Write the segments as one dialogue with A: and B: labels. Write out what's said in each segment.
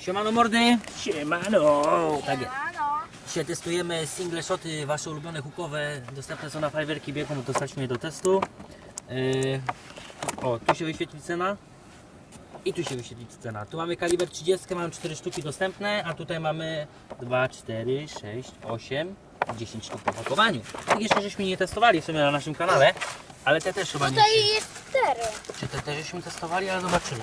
A: Siemano mordy!
B: Siemano!
A: Tak, dzisiaj testujemy single shoty, wasze ulubione hookowe. Dostępne są na Fiverr Biegun, dostaliśmy je do testu. O, tu się wyświetli cena. I tu się wyświetli cena. Tu mamy kaliber 30, mamy 4 sztuki dostępne, a tutaj mamy 2, 4, 6, 8, 10 sztuk po pakowaniu. I jeszcze żeśmy nie testowali w sumie na naszym kanale, ale te też chyba nie.
C: Tutaj jest 4.
A: Czy te też żeśmy testowali, ale zobaczymy.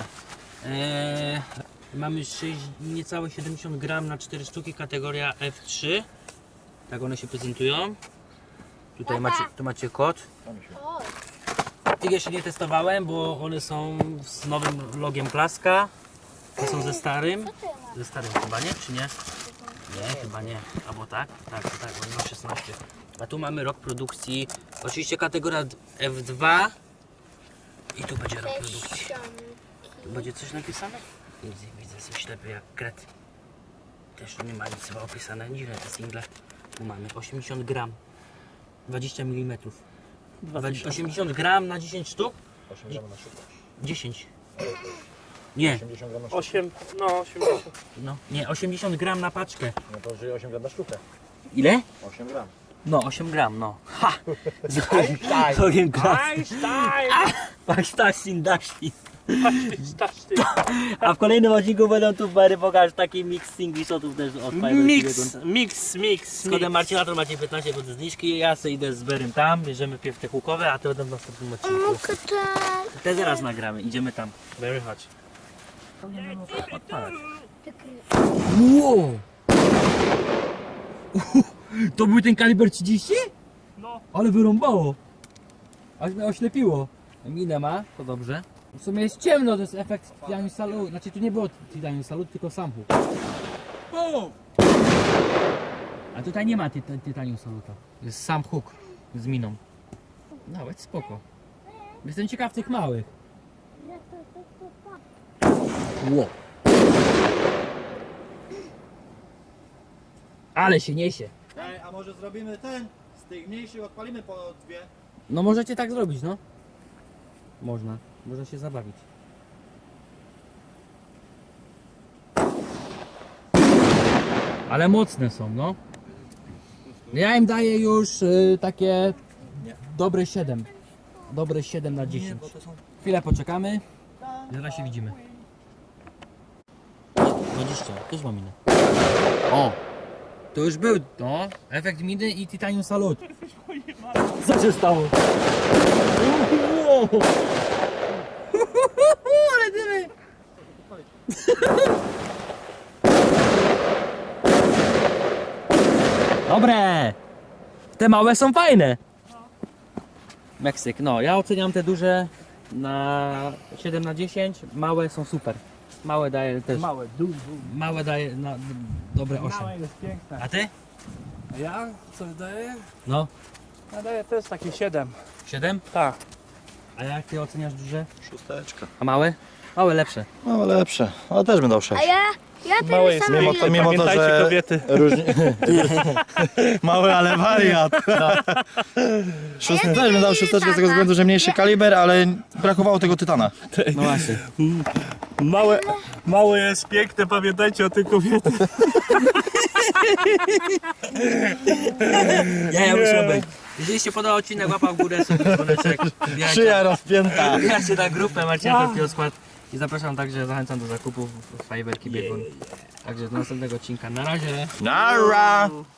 A: Mamy 6, niecałe 70 gram na 4 sztuki, kategoria F3. Tak one się prezentują. Tutaj tu macie kod. Tych jeszcze nie testowałem, bo one są z nowym logiem Klaska. To są ze starym. Ze starym chyba nie, czy nie? Nie, chyba nie. Albo tak? Tak, oni ma 16. A tu mamy rok produkcji. Oczywiście kategoria F2. I tu będzie rok produkcji. Tu będzie coś napisane? Widzę coś ślepy jak kret. Też nie ma nic chyba opisane. Dziwne te single. Tu mamy 80 gram. 20 mm. 80 gram na 10 sztuk?
D: 8 gram na sztukę.
A: 10. Nie.
D: 80 gram na sztukę.
B: 8, no 80.
A: No, nie, 80 gram na paczkę.
D: No to żyje 8 gram na sztukę.
A: Ile?
D: 8 gram.
A: No, 8 gram, no. Ha! Z logiem Klaska. Einstein. A w kolejnym odcinku będą tu Bary pokaż taki mix single shotów też od Fiverr.
B: Mix.
A: Z kodem Marcina to macie 15% zniżki. Ja sobie idę z Berym tam, bierzemy pierw te hukowe, a te będą w następnym odcinku. Te zaraz nagramy, idziemy tam.
B: Very hot.
A: Wow! To był ten kaliber 30?
B: No.
A: Ale wyrąbało. Aż mnie oślepiło. Minę ma, to dobrze. W sumie jest ciemno, to jest efekt Titanium Salute. Znaczy tu nie było Titanium Salute, tylko sam hook. A tutaj nie ma Titanium Saluta. Jest sam hook z miną. Nawet spoko. Jestem ciekaw tych małych. Wow. Ale się niesie.
D: Ej, a może zrobimy ten? Z tych mniejszych odpalimy po dwie.
A: No możecie tak zrobić, no. Można się zabawić. Ale mocne są, no. Ja im daję już takie dobre 7. Dobre 7 na 10. Chwilę poczekamy. Zaraz się widzimy. 20, też mam minę. O! To już był, no. Efekt miny i Titanium Salute. Co się stało? Ale dymy! Dobre! Te małe są fajne. Meksyk, no ja oceniam te duże na 7 na 10. Małe są super. Małe daje też. Małe daje na dobre 8.
B: Małe jest piękne.
A: A ty?
B: A ja co wydaję?
A: No.
B: Ja daję też takie 7.
A: 7?
B: Tak.
A: A jak ty oceniasz duże?
D: Szósteczka.
A: A małe? Małe lepsze.
D: No lepsze, ale też bym dał 6.
C: A ja
B: Małe
C: ten
B: jest
C: sam.
D: Mimo to,
B: Pamiętajcie,
D: że
B: kobiety.
D: różni... Mały, ale wariat. Szósty też bym dał szósteczkę z tego względu, że mniejszy kaliber, ale brakowało tego tytana.
A: No właśnie.
B: Małe jest piękne, pamiętajcie o tym kobiety.
A: Ja muszę być. Jeżeli się podobał odcinek, łapa w górę, dzwoneczek,
D: Szyja rozpięta.
A: wbijajcie na grupę Marcina Polskiego Skład i zapraszam także, zachęcam do zakupów w Fiverr Biegun. Także do następnego odcinka. Na razie.
D: Nara!